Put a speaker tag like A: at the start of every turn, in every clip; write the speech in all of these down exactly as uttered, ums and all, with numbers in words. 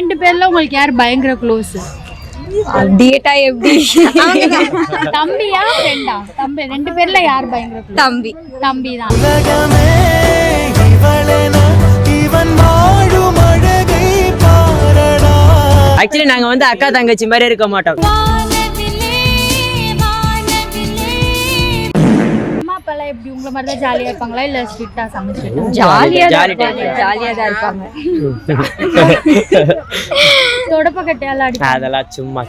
A: ரெண்டு பேர்ல உங்களுக்கு யார் பயங்கர க்ளோஸ்?
B: டேட்டா எப்படி?
A: தம்பியா ஃப்ரெண்டா? தம்பி. ரெண்டு பேர்ல யார் பயங்கர க்ளோஸ்?
B: தம்பி.
A: தம்பி தான்.
C: ஆக்சுவலி நாங்க வந்து அக்கா தங்கச்சி மாதிரி இருக்க மாட்டோம்.
A: அம்மா அப்பாலாம் எப்படி உங்களை மாதிரி தான் ஜாலியா இருப்பாங்களா இல்ல ஸ்ட்ரிக்ட்டா சமைச்சிட்டு?
B: ஜாலியா
C: ஜாலி
B: ஜாலியா தான் இருப்பாங்க.
A: தொடப்ப கட்டையால அடி
C: அதெல்லாம் சும்மா.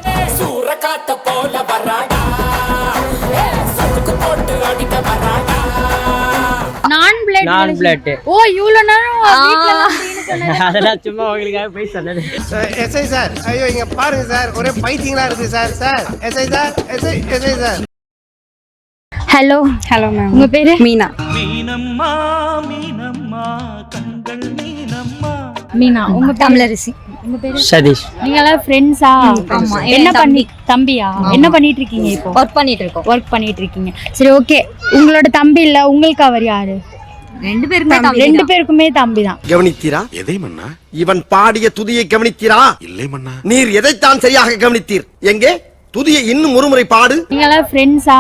A: நான் பிளேட்.
C: நான் பிளேட்.
A: ஓ இவ்வளவு நேரம் வீட்ல எல்லாம் சீனு சொன்னது.
C: அதெல்லாம் சும்மா உங்களுக்காக போய் சொன்னது.
D: எஸ்ஐ சார், ஐயோ இங்க பாருங்க சார், ஒரே பைத்தியங்களா இருக்கு sir. Sir SI sir, SI SI sir.
A: Hello
B: hello ma'am.
A: உங்க பேரு?
B: மீனா.
E: மீனம்மா மீனம்மா கண்கள் மீனம்மா.
A: மீனா. உங்க பேரு?
B: தமிழரசி.
A: உங்க பேரு?
C: சதீஷ்.
A: நீங்க எல்லாம் ஃப்ரெண்ட்ஸா?
B: ஆமா.
A: என்ன பண்ணி தம்பியா? என்ன பண்ணிட்டு இருக்கீங்க இப்போ?
B: ஒர்க் பண்ணிட்டு இருக்கோம்.
A: ஒர்க் பண்ணிட்டு இருக்கீங்க. சரி ஓகே. உங்களோட தம்பி இல்ல, உங்களுக்கு அவர் யாரு?
B: ரெண்டு பேருமே தம்பி.
A: ரெண்டு பேருக்குமே தம்பி தான்.
D: கவனித்தீரா?
F: எதை மன்னா?
D: இவன் பாடிய துதியை கவனித்தீரா?
F: இல்லை மன்னா.
D: நீர் எதைத்தான் சரியாக கவனித்தீர்? எங்கே துதியை இன்னும் ஒருமுறை பாடு.
A: நீங்க எல்லாம் ஃப்ரெண்ட்ஸா?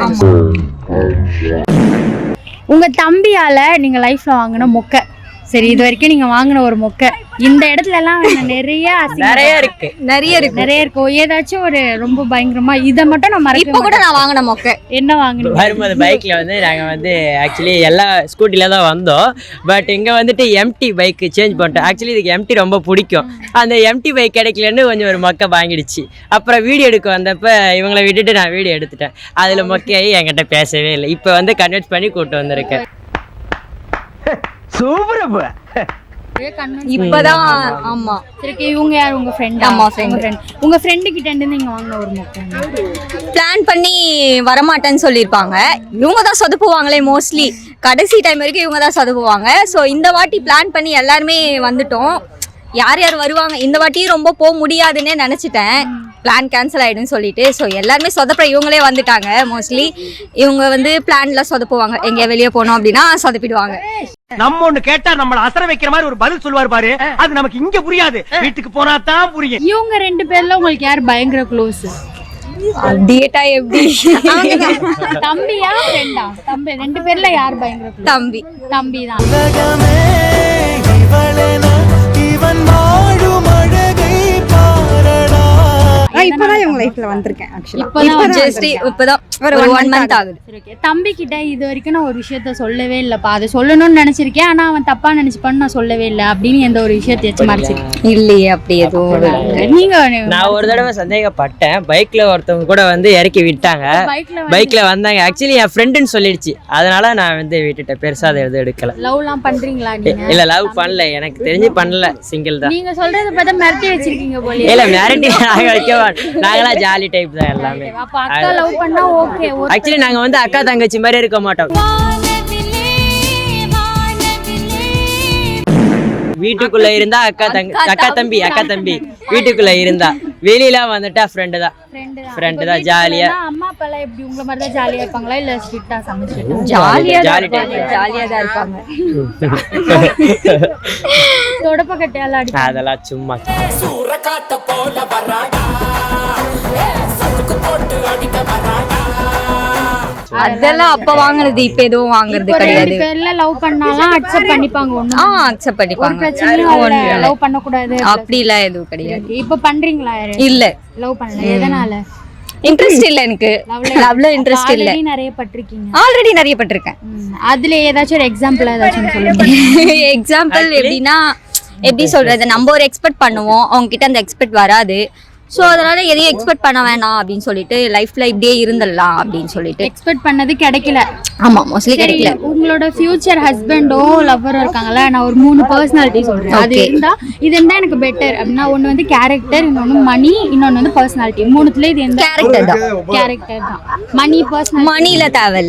A: உங்க தம்பியால நீங்க லைஃப்ல வாங்கின மொக்க, சரி இது வரைக்கும் நீங்க வாங்கின ஒரு மொக்க, இந்த இடத்துல எல்லாம் நிறைய அசிங்கம்
C: நிறைய இருக்கு.
B: நிறைய இருக்கு.
A: நிறைய இருக்கும். ஏதாச்சும் ஒரு ரொம்ப பயங்கரமா இதை மட்டும் நான் மறக்க
B: இப்ப கூட நான் வாங்கின மொக்க.
A: என்ன வாங்கினீங்க?
C: வரும்போது பைக்ல வந்து நாங்க வந்து ஆக்சுவலி எல்லா ஸ்கூட்டில தான் வந்தோம். பட் இங்க வந்துட்டு எம்டி பைக் சேஞ்ச் பண்ணிட்டோம். ஆக்சுவலி இதுக்கு எம்டி ரொம்ப பிடிக்கும். அந்த எம்டி பைக் கிடைக்கலன்னு கொஞ்சம் ஒரு மொக்க வாங்கிடுச்சு. அப்புறம் வீடியோ எடுக்க வந்தப்ப இவங்களை விட்டுட்டு நான் வீடியோ எடுத்துட்டேன். அதுல மொக்கையாகி என்கிட்ட பேசவே இல்லை. இப்போ வந்து கன்வெர்ட் பண்ணி கூட்டு வந்திருக்கேன்.
B: இப்பதான். ஆமா.
A: சரி இவங்க யார்? உங்க ஃப்ரெண்ட்?
B: ஆமா, friend.
A: உங்க ஃப்ரெண்டு கிட்ட இருந்து நீங்க வாங்கின ஒரு மொக்க?
B: பிளான் பண்ணி வரமாட்டேன்னு சொல்லியிருப்பாங்க. இவங்க தான் சொதப்புவாங்களே மோஸ்ட்லி. கடைசி டைம் வரைக்கும் இவங்க தான் சொதப்புவாங்க. ஸோ இந்த வாட்டி பிளான் பண்ணி எல்லாருமே வந்துட்டோம். யார் யார் வருவாங்க இந்த வாட்டி ரொம்ப போக முடியாதுன்னே நினச்சிட்டேன். பிளான் கேன்சல் ஆகிடுன்னு சொல்லிட்டு. ஸோ எல்லாருமே சொதப்புற இவங்களே வந்துட்டாங்க. மோஸ்ட்லி இவங்க வந்து பிளான்ல சொதப்புவாங்க. எங்கேயா வெளியே போனோம் அப்படின்னா சொதப்பிடுவாங்க.
E: நம்ம ஒண்ணு கேட்டா நம்மள அசர வைக்கிற மாதிரி ஒரு பதில் சொல்லுவார் பாரு, அது நமக்கு இங்க புரியாது, வீட்டுக்கு போனா தான் புரியும்.
A: இவங்க ரெண்டு பேர்ல உங்களுக்கு யார் பயங்கர க்ளோஸ்?
B: டேட்டா எப்படி?
A: தம்பியா ஃப்ரெண்டா? தம்பி. ரெண்டு பேர்ல யார் பயங்கர க்ளோஸ்?
B: தம்பி.
A: தம்பி தான்.
G: இப்பதான் இவங்க லைஃப்ல வந்திருக்கேன். ஆக்சுவலா
A: இப்பதான்
B: ஜஸ்ட் இப்பதான் ஒரு ஒன் மந்த் ஆகுது.
A: சரி ஓகே. தம்பி கிட்ட இது வரைக்கும் நான் ஒரு விஷயத்த சொல்லவே இல்லப்பா, அதை சொல்லணும்னு நினைச்சிருக்கேன், ஆனா அவன் தப்பா நினைச்சுப்பான்னு நான் சொல்லவே இல்லை அப்படின்னு எந்த ஒரு விஷயத்தையாச்சும் மறைச்சிருக்கேன்?
B: இல்லையே அப்படி எதுவும்.
A: நீங்க
C: நான் ஒரு தடவை சந்தேகப்பட்டேன். பைக்ல ஒருத்தவங்க கூட வந்து இறக்கி விட்டாங்க.
A: பைக்ல
C: பைக்ல வந்தாங்க. ஆக்சுவலி என் ஃப்ரெண்டுன்னு சொல்லிடுச்சு. அதனால நான் வந்து விட்டுட்டேன். பெருசா அதை எதுவும் எடுக்கல.
A: லவ்லாம் பண்றீங்களா நீங்க?
C: இல்ல லவ் பண்ணல. எனக்கு தெரிஞ்சு பண்ணல. சிங்கிள் தான்.
A: நீங்க சொல்றத பார்த்தா மிரட்டி வச்சிருக்கீங்க போல.
C: இல்ல மிரட்டி நாங்க வைக்க நாங்களாம் ஜாலி டைப் தான் எல்லாமே.
A: அப்ப அக்கா லவ் பண்ணா ஓகே.
C: ஆக்சுவலி நாங்க வந்து அக்கா தங்கச்சி மாதிரி இருக்க மாட்டோம். வீட்டுக்குள்ள இருந்தா அக்கா தங்க அக்கா தம்பி அக்கா தம்பி வீட்டுக்குள்ள இருந்தா, வெளியில வந்துட்டா ஃப்ரெண்டு தான். ஃப்ரெண்டு தான் ஜாலியா.
A: அம்மா அப்பாலாம் எப்படி உங்களை மாதிரி தான் ஜாலியா இருப்பாங்களா இல்ல ஸ்ட்ரிக்ட்டா சமைச்சிட்டு?
B: ஜாலியா
C: ஜாலி டைப்.
B: ஜாலியா தான் இருப்பாங்க.
A: தொடப்ப கட்டையால அடி
C: அதெல்லாம் சும்மா.
B: அதெல்லாம் அப்ப வாங்குனது. இப்ப எதுவும் வாங்குறது கிடையாது.
A: பேர்ல லவ் பண்ணாலாம் அக்செப்ட் பண்ணிப்பாங்க. ஒண்ணு
B: ஆ அக்செப்ட் பண்ணிப்பாங்க.
A: பிரச்சனை லவ் பண்ண கூடாது
B: அப்படிலாம் எதுவும் கிடையாது.
A: இப்ப பண்றீங்களா?
B: இல்ல
A: லவ் பண்ணல. எதனால?
B: இன்ட்ரெஸ்ட் இல்ல எனக்கு. லவ்ல இன்ட்ரெஸ்ட் இல்ல.
A: ஆல்ரெடி நிறைய பட்டிருக்கீங்க.
B: ஆல்ரெடி நிறைய பட்டிருக்கேன்.
A: அதுல ஏதாச்சும் ஒரு எக்ஸாம்பிள் ஏதாச்சும் சொல்லுங்க.
B: எக்ஸாம்பிள் எப்படின்னா, எப்படி சொல்றது, நம்ம ஒரு எக்ஸ்பெக்ட் பண்ணுவோம், அவங்க கிட்ட அந்த எக்ஸ்பெக்ட் வராது. ஸோ அதனால எதையும் எக்ஸ்பெக்ட் பண்ண வேணாம் அப்படின்னு சொல்லிட்டு லைஃப்ல இப்படியே இருந்துடலாம் அப்படின்னு சொல்லிட்டு.
A: எக்ஸ்பெக்ட் பண்ணது கிடைக்கல.
B: ஆமா மோஸ்ட்லி கிடைக்கல.
A: உங்களோட ஃபியூச்சர் ஹஸ்பண்டோ லவ்வரோ இருக்காங்கல்ல, நான் ஒரு மூணு பர்சனாலிட்டி சொல்றேன். அது இருந்தா இது இருந்தா எனக்கு பெட்டர் அப்படின்னா, ஒன்னு வந்து கேரக்டர், இன்னொன்னு மணி, இன்னொன்னு வந்து பர்சனாலிட்டி. மூணுத்துல இது எந்த?
B: கேரக்டர் தான்.
A: கேரக்டர் தான். மணி பர்சனல்
B: மணில தேவையில்ல.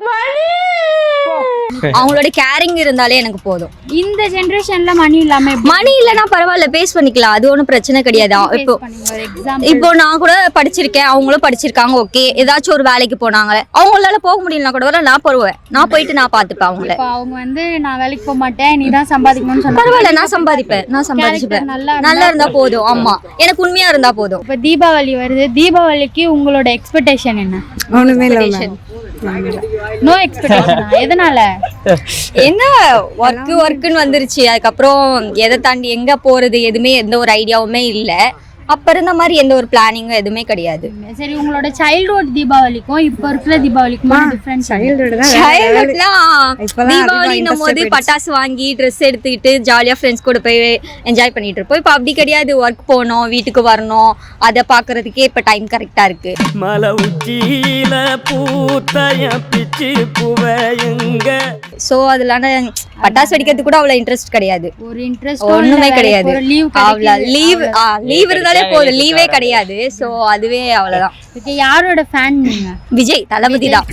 B: அவங்களோட கேரிங் இருந்தாலே எனக்கு போதும்.
A: இந்த ஜெனரேஷன்ல மணி இல்லாம எப்படி
B: மணி இல்லைன்னா பரவாயில்ல, பேஸ் பண்ணிக்கலாம், அது ஒன்றும் பிரச்சனை கிடையாது. இப்போ
A: எக்ஸாம்
B: இப்போ நான் கூட படிச்சிருக்கேன், அவங்களும் படிச்சிருக்காங்க, ஓகே. ஏதாச்சும் ஒரு வேலைக்கு போனாங்க, அவங்களால போக முடியலனா கூட வர நான் போடுவேன், நான் போயிட்டு நான் பார்த்துப்பேன் அவங்கள.
A: இப்போ அவங்க வந்து நான் வேலைக்கு போக மாட்டேன், நீ தான் சம்பாதிக்கணும்னு சொன்னா
B: பரவாயில்ல, நான் சம்பாதிப்பேன், நான் சம்பாதிச்சுப்பேன்.
A: நல்லா
B: நல்லா இருந்தா போதும். ஆமா, எனக்கு உண்மையா இருந்தா போதும்.
A: இப்போ தீபாவளி வருது, தீபாவளிக்கு உங்களோட எக்ஸ்பெக்டேஷன் என்ன?
G: ஒண்ணுமே இல்லை.
A: No expectation. எதனால?
B: என்ன ஒர்க் ஒர்க்குன்னு வந்துருச்சு, அதுக்கப்புறம் எதை தாண்டி எங்க போறது எதுவுமே எந்த ஒரு ஐடியாவுமே இல்லை. அப்ப இருந்த மாதிரி எந்த ஒரு பிளானிங்கும் எதுவுமே கிடையாது.
A: சரி, உங்களோட சைல்ட்ஹுட் தீபாவளிக்கும் இப்போ இருக்கிற தீபாவளிக்கும் டிஃபரன்ஸ்?
G: சைல்டுஹுட் தான்.
B: சைல்ட்ஹுட்லாம் தீபாவளின்னும் போது பட்டாசு வாங்கி ட்ரெஸ் எடுத்துக்கிட்டு ஜாலியா ஃப்ரெண்ட்ஸ் கூட போய் என்ஜாய் பண்ணிட்டு இருப்போம். இப்போ அப்படி கிடையாது, ஒர்க் போகணும், வீட்டுக்கு வரணும், அதை பாக்குறதுக்கே இப்ப டைம் கரெக்டா இருக்கு.
F: மலை உச்சியில பூத்தைய பிச்சு புவையுங்க.
B: சோ அதனால பட்டாசு வெடிக்கிறதுக்கு கூட அவ்வளவு இன்ட்ரெஸ்ட் கிடையாது,
A: ஒரு இன்ட்ரெஸ்ட்
B: ஒண்ணுமே கிடையாது.
A: லீவ்
B: அவ்வளவு லீவ் லீவ் இருந்தாலே போதும், லீவே கிடையாது. சோ அதுவே அவ்வளவுதான்.
A: ஓகே, யாரோட ஃபேன் நீங்க?
B: விஜய் தளபதி தான்.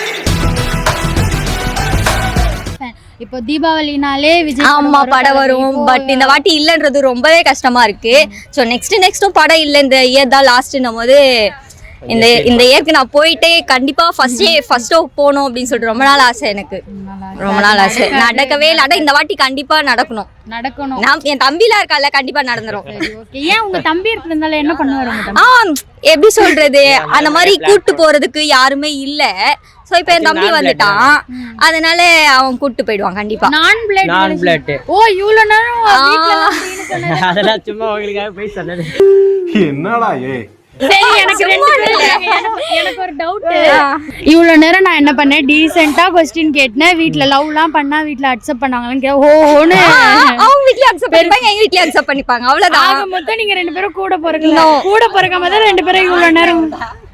A: இப்போ தீபாவளினாலே விஜய்
B: ஆமா படம் வரும், பட் இந்த வாட்டி இல்லைன்றது ரொம்பவே கஷ்டமா இருக்கு. ஸோ நெக்ஸ்ட் நெக்ஸ்டும் படம் இல்லை, இந்த இயர் தான் லாஸ்ட்னும் போது இந்த இந்த இயருக்கு நான் போயிட்டே கண்டிப்பா ஃபர்ஸ்ட் ஃபர்ஸ்ட் போகணும் அப்படின்னு சொல்லிட்டு ரொம்ப நாள் ஆசை எனக்கு, ரொம்ப நாள் ஆசை. நடக்கவே இல்லை, ஆனா இந்த வாட்டி கண்டிப்பா நடக்கணும்.
A: நடக்கணும்.
B: நான் என் தம்பிலாம் இருக்கால, கண்டிப்பா நடந்துரும்.
A: ஓகே, ஏன் உங்க தம்பி இருக்கிறதுனால என்ன பண்ணுவாரு உங்க தம்பி?
B: ஆ எப்படி சொல்றது, அந்த மாதிரி கூட்டு போறதுக்கு யாருமே இல்ல. சோ இப்போ என் தம்பி வந்துட்டான், அதனால அவன் கூட்டு போயிடுவான் கண்டிப்பா.
A: நான் பிளட்
C: நான் பிளட்.
A: ஓ இவ்வளவு நேரம் வீட்ல எல்லாம் அப்படின்னு சொன்னது.
C: அதெல்லாம் சும்மா உங்களுக்காக போய் சொன்னது.
H: என்னடா ஏ
A: சரி, எனக்கு ரெண்டு பேரும் எனக்கு- எனக்கு ஒரு டவுட். இவ்வளவு நேரம் நான் என்ன பண்ணேன், டீசென்ட்டா क्वेश्चन கேட்டேன், வீட்ல லவ்லாம் பண்ணா வீட்ல அக்செப்ட் பண்ணாங்கன்னு கே ஓஹோன்னு
B: அவங்க வீட்லயே அக்செப்ட் பண்ணிப்பாங்க, எங்க வீட்லயே அக்செப்ட் பண்ணிப்பாங்க, அவ்வளவுதான்.
A: ஆக மொத்தம் நீங்க ரெண்டு பேரும் கூட பிறக்கல, கூட பிறக்காம தான் ரெண்டு பேரும் இவ்வளவு நேரம்.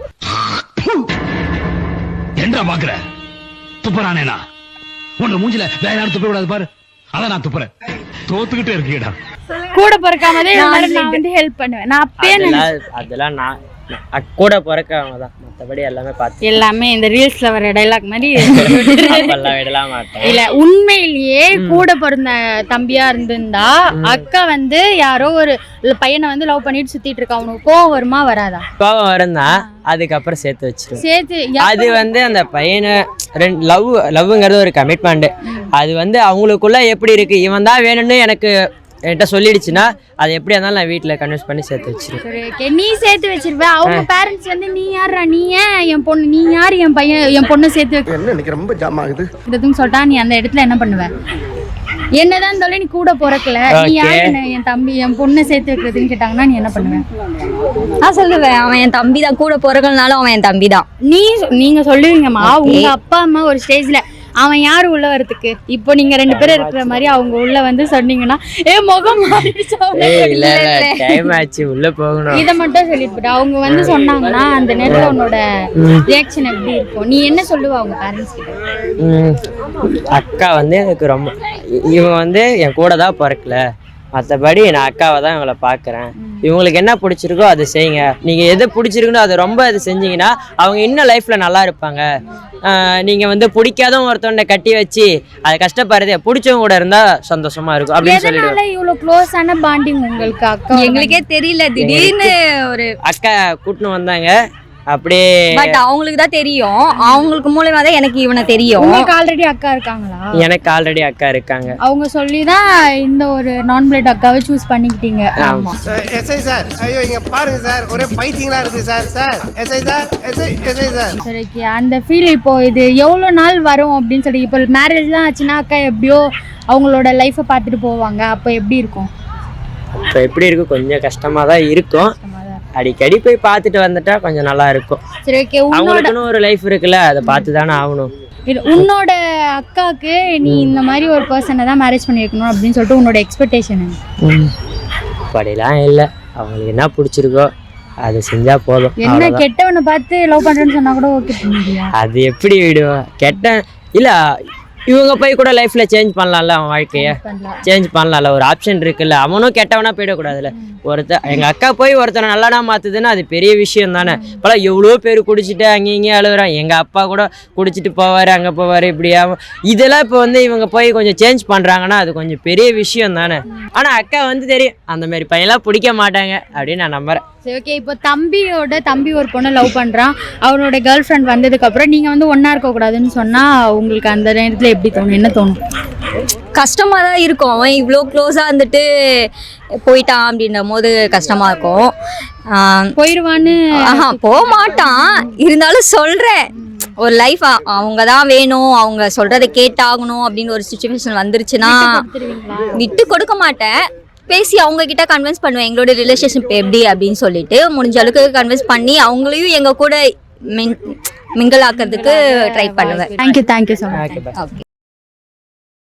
I: என்ன பாக்குற துப்புறானேனா உன்ன மூஞ்சில வேற யாரும் துப்ப கூடாது பாரு, அதான் நான் துப்புறேன். தோத்துக்கிட்டே இருக்கீடா.
A: கூட பிறக்காம தான் நான் வந்து ஹெல்ப் பண்ணுவேன். நான் அப்பயே
C: அதெல்லாம் அதெல்லாம் நான் நான் கூட பிறக்கவங்க தான், மற்றபடி எல்லாமே பார்த்து
A: எல்லாமே இந்த ரீல்ஸ்ல வர டைலாக் மாதிரி
C: எல்லாம் விடலாம் மாட்டேன்.
A: இல்ல, உண்மையிலேயே கூட பிறந்த தம்பியா இருந்திருந்தா அக்கா வந்து யாரோ ஒரு பையனை வந்து லவ் பண்ணிட்டு சுத்திட்டு இருக்கா, அவனுக்கு கோவம் வருமா வராதா?
C: கோவம் வருந்தா, அதுக்கப்புறம் சேர்த்து வச்சிருவேன்.
A: சேர்த்து
C: அது வந்து அந்த பையனை ரெண்டு லவ் லவ்ங்கிறது ஒரு கமிட்மெண்ட். அது வந்து அவங்களுக்குள்ள எப்படி இருக்கு, இவன் தான் வேணும்னு எனக்கு என்கிட்ட சொல்லிடுச்சுன்னா அது எப்படியா இருந்தாலும் நான் வீட்டில் கன்வின்ஸ் பண்ணி சேர்த்து வச்சிருவேன்.
A: சரி, ஓகே, நீ சேர்த்து வச்சிருவ. அவங்க பேரண்ட்ஸ் வந்து நீ யாரா, நீ ஏன் என் பொண்ணு, நீ யார் என் பையன் என் பொண்ணு சேர்த்து வைக்க
D: என்ன எனக்கு ரொம்ப ஜாம் ஆகுது
A: இதுன்னு சொல்லிட்டா நீ அந்த இடத்துல என்ன பண்ணுவ? என்னதான் இருந்தாலும் நீ கூட பிறக்கல, நீ யாரு என்ன என் தம்பி என் பொண்ணு சேர்த்து வைக்கிறதுன்னு கேட்டாங்கன்னா நீ என்ன பண்ணுவ?
B: நான் சொல்லுவேன், அவன் என் தம்பி தான், கூட பிறகுனாலும் அவன் என் தம்பி தான்.
A: நீ நீங்க சொல்லுவீங்கம்மா, உங்க அப்பா அம்மா ஒரு ஸ்டேஜ்ல அவன் யாரு உள்ள வரதுக்கு, இப்போ நீங்க ரெண்டு பேரும் இருக்கிற மாதிரி அவங்க உள்ள வந்து சொன்னீங்கன்னா ஏ முகம்
C: டைம் ஆச்சு உள்ள போகணும்,
A: இதை மட்டும் சொல்லிட்டு அவங்க வந்து சொன்னாங்கன்னா அந்த நேரத்துல உன்னோட ரியாக்ஷன் எப்படி இருக்கும்? நீ என்ன சொல்லுவ அவங்க பேரண்ட்ஸ் கிட்ட?
C: அக்கா வந்து எனக்கு ரொம்ப, இவங்க வந்து என் கூட தான் பிறக்கல, மற்றபடி நான் அக்காவை தான் இவங்களை பார்க்குறேன், இவங்களுக்கு என்ன பிடிச்சிருக்கோ அதை செய்யுங்க, நீங்கள் எது பிடிச்சிருக்குன்னு அதை ரொம்ப அது செஞ்சீங்கன்னா அவங்க இன்னும் லைஃப்பில் நல்லா இருப்பாங்க. நீங்கள் வந்து பிடிக்காதவங்க ஒருத்தவனை கட்டி வச்சு அதை கஷ்டப்படுறதே பிடிச்சவங்க கூட இருந்தால் சந்தோஷமா இருக்கும் அப்படின்னு சொல்லிடுவேன்.
A: இவ்வளவு க்ளோஸான பாண்டிங் உங்களுக்கு அக்கா?
B: எங்களுக்கே தெரியல, திடீர்னு ஒரு
C: அக்கா கூட்டின்னு வந்தாங்க அப்படியே,
B: பட் அவங்களுக்கு தான் தெரியும், அவங்களுக்கு மூலமா தான் எனக்கு இவனை தெரியும்.
A: உங்களுக்கு ஆல்ரெடி அக்கா இருக்காங்களா?
C: எனக்கு ஆல்ரெடி அக்கா இருக்காங்க.
A: அவங்க சொல்லி தான் இந்த ஒரு நான் பிளட் அக்காவை சூஸ் பண்ணிக்கிட்டீங்க. ஆமா,
D: எஸ்ஐ சார், ஐயோ இங்க பாருங்க சார், ஒரே பைத்தியங்களா இருக்கு sir. Sir SI sir, SI SI sir.
A: சரி, அந்த ஃபீல் இப்போ இது எவ்வளோ நாள் வரும் அப்படின்னு சொல்லி, இப்போ மேரேஜ் தான் ஆச்சுன்னா அக்கா எப்படியோ அவங்களோட லைஃப்பை பார்த்துட்டு போவாங்க, அப்போ எப்படி இருக்கும்?
C: இப்போ எப்படி இருக்கும், கொஞ்சம் கஷ்டமாக தான் இருக்கும், அடிக்கடி போய் பார்த்துட்டு வந்துட்டா கொஞ்சம் நல்லா இருக்கும்.
A: சரி, ஓகே,
C: அவங்களுக்குன்னு ஒரு லைஃப் இருக்குல்ல, அதை பார்த்து தானே ஆகணும்.
A: உன்னோட அக்காவுக்கு நீ இந்த மாதிரி ஒரு பர்சனை தான் மேரேஜ் பண்ணி வைக்கணும் அப்படின்னு சொல்லிட்டு உன்னோட எக்ஸ்பெக்டேஷன்?
C: அப்படிலாம் இல்லை, அவங்களுக்கு என்ன பிடிச்சிருக்கோ அதை செஞ்சா போதும்.
A: என்ன கெட்டவனை பார்த்து லவ் பண்றேன்னு சொன்னா கூட ஓகே பண்ணியா?
C: அது எப்படி விடுவோம், கெட்ட இல்லை இவங்க போய் கூட லைஃப்ல சேஞ்ச் பண்ணலாம்ல, அவன் வாழ்க்கைய சேஞ்ச் பண்ணலாம்ல, ஒரு ஆப்ஷன் இருக்குல்ல. அவனும் கெட்டவனா போயிடக்கூடாதுல்ல. ஒருத்தர் எங்க அக்கா போய் ஒருத்தனை நல்லானா மாத்துதுன்னா அது பெரிய விஷயம் தானே. இப்போலாம் எவ்வளோ பேர் குடிச்சிட்டு அங்கே இங்கேயும் அழுகுறான். எங்க அப்பா கூட குடிச்சிட்டு போவாரு, அங்கே போவார், இப்படியா. இதெல்லாம் இப்போ வந்து இவங்க போய் கொஞ்சம் சேஞ்ச் பண்றாங்கன்னா அது கொஞ்சம் பெரிய விஷயம் தானே. ஆனா அக்கா வந்து தெரியும் அந்த மாதிரி பையன்லாம் பிடிக்க மாட்டாங்க அப்படின்னு நான் நம்புறேன்.
A: சரி ஓகே, இப்போ தம்பியோட தம்பி ஒரு பொண்ணை லவ் பண்ணுறான். அவனோட கேர்ள் ஃப்ரெண்ட் வந்ததுக்கப்புறம் நீங்கள் வந்து ஒன்றா இருக்கக்கூடாதுன்னு சொன்னால் உங்களுக்கு அந்த நேரத்தில் எப்படி தோணும், என்ன தோணும்?
B: கஷ்டமாக தான் இருக்கும். அவன் இவ்வளோ க்ளோஸாக இருந்துட்டு போயிட்டான் அப்படின்ற போது கஷ்டமாக இருக்கும்.
A: போயிடுவான்னு
B: ஆஹா போக மாட்டான், இருந்தாலும் சொல்கிறேன் ஒரு லைஃப் அவங்க தான் வேணும், அவங்க சொல்கிறத கேட்டாகணும் அப்படின்னு ஒரு சுச்சுவேஷன் வந்துருச்சுன்னா விட்டு கொடுக்க மாட்டேன். பேசி அவங்க கிட்ட கன்வின்ஸ் பண்ணுவேன் எங்களோட ரிலேஷன்ஷிப் எப்படி அப்படின்னு சொல்லிட்டு முடிஞ்ச அளவுக்கு கன்வின்ஸ் பண்ணி அவங்களையும் எங்கள் கூட மிங் மிங்கிள் ஆக்கிறதுக்கு ட்ரை பண்ணுவேன்.
A: Thank you thank you so much.
B: Okay.